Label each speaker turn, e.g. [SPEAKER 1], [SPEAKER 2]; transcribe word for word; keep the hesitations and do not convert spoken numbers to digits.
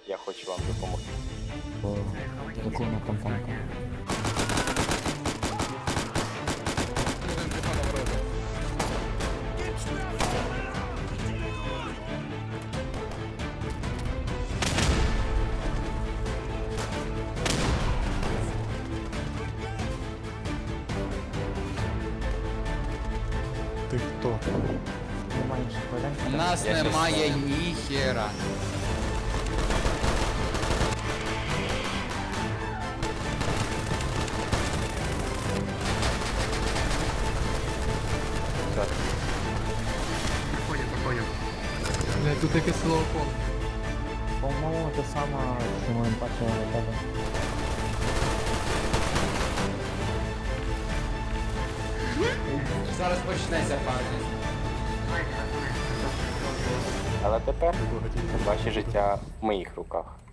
[SPEAKER 1] Я хочу вам допомогти.
[SPEAKER 2] По якому там танку?
[SPEAKER 3] Ти хто?
[SPEAKER 2] Немає інших варіантів.
[SPEAKER 4] У нас
[SPEAKER 1] Я щас
[SPEAKER 4] немає
[SPEAKER 1] знаю.
[SPEAKER 4] ніхера.
[SPEAKER 1] Так,
[SPEAKER 3] Блядь, тут якийсь лоупон.
[SPEAKER 2] По-моєму, те саме, що ми бачили на тебе.
[SPEAKER 4] Зараз почнеться, парні.
[SPEAKER 1] але тепер ваше життя в моїх руках.